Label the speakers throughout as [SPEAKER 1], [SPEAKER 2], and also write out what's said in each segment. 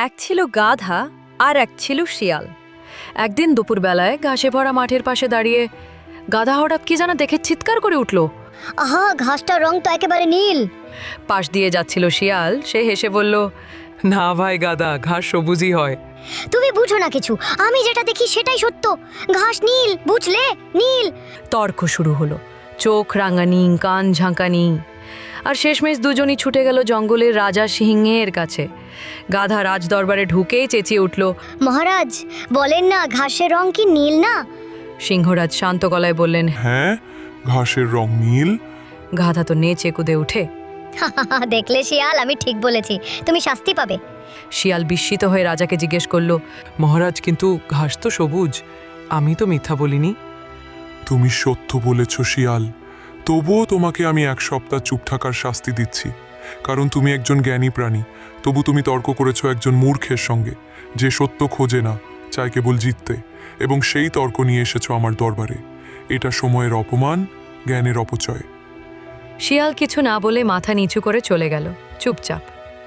[SPEAKER 1] এক ছিল গাধা আর এক ছিল শিয়াল। একদিন দুপুরবেলায় ঘাসে ভরা মাঠের পাশে দাঁড়িয়ে গাধা হঠাৎ কি যেন দেখে চিৎকার করে উঠল।
[SPEAKER 2] আহা, ঘাসটার রং তো একেবারে নীল।
[SPEAKER 1] পাশ দিয়ে যাচ্ছিল শিয়াল, সে হেসে বলল,
[SPEAKER 3] না ভাই গাদা, ঘাস সবুজই হয়।
[SPEAKER 2] তুমি বুঝো না কিছু, আমি যেটা দেখি সেটাই সত্য। ঘাস নীল, বুঝলে, নীল।
[SPEAKER 1] তর্ক শুরু হলো, চোখ রাঙানি, কান ঝাঁকানি, আর শেষমেশ দুজনই ছুটে গেল জঙ্গলের রাজা সিংহের কাছে। গাধা রাজ দরবারে ঢুকেই চেঁচিয়ে উঠল,
[SPEAKER 2] মহারাজ, বলেন না ঘাসের রং কি নীল না?
[SPEAKER 1] সিংহরাজ শান্ত গলায় বললেন,
[SPEAKER 4] হ্যাঁ, ঘাসের রং নীল।
[SPEAKER 1] গাধা তো নেচে কুদে উঠে।
[SPEAKER 2] দেখলে শিয়াল, আমি ঠিক বলেছি, তুমি শাস্তি পাবে।
[SPEAKER 1] শিয়াল বিস্মিত হয়ে রাজাকে জিজ্ঞেস করল,
[SPEAKER 3] মহারাজ, কিন্তু ঘাস তো সবুজ, আমি তো মিথ্যা বলিনি।
[SPEAKER 4] তুমি সত্য বলেছ শিয়াল, তবুও তোমাকে আমি 1 সপ্তাহ চুপ থাকার শাস্তি দিচ্ছি, কারণ তুমি একজন জ্ঞানী প্রাণী। তবু তুমি তর্ক করেছো একজন মূর্খের সঙ্গে, যে সত্য খোঁজে না, চায় কেবল জিততে, এবং সেই তর্ক নিয়ে এসেছো আমার দরবারে। এটা সময়ের অপমান, জ্ঞানের অপচয়।
[SPEAKER 1] শিয়াল কিছু না বলে মাথা নিচু করে চলে গেল চুপচাপ।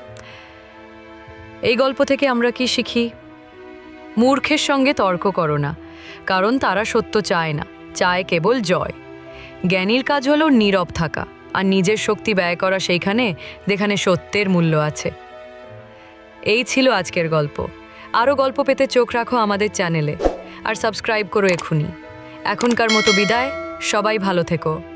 [SPEAKER 1] এই গল্প থেকে আমরা কি শিখি? মূর্খের সঙ্গে তর্ক করো না, কারণ তারা সত্য চায় না, চায় কেবল জয়। জ্ঞানীর কাজ হলো নীরব থাকা আর নিজের শক্তি ব্যয় করা সেইখানে যেখানে সত্যের মূল্য আছে। এই ছিল আজকের গল্প। আরও গল্প পেতে চোখ রাখো আমাদের চ্যানেলে আর সাবস্ক্রাইব করো এখনই। এখনকার মতো বিদায়, সবাই ভালো থেকো।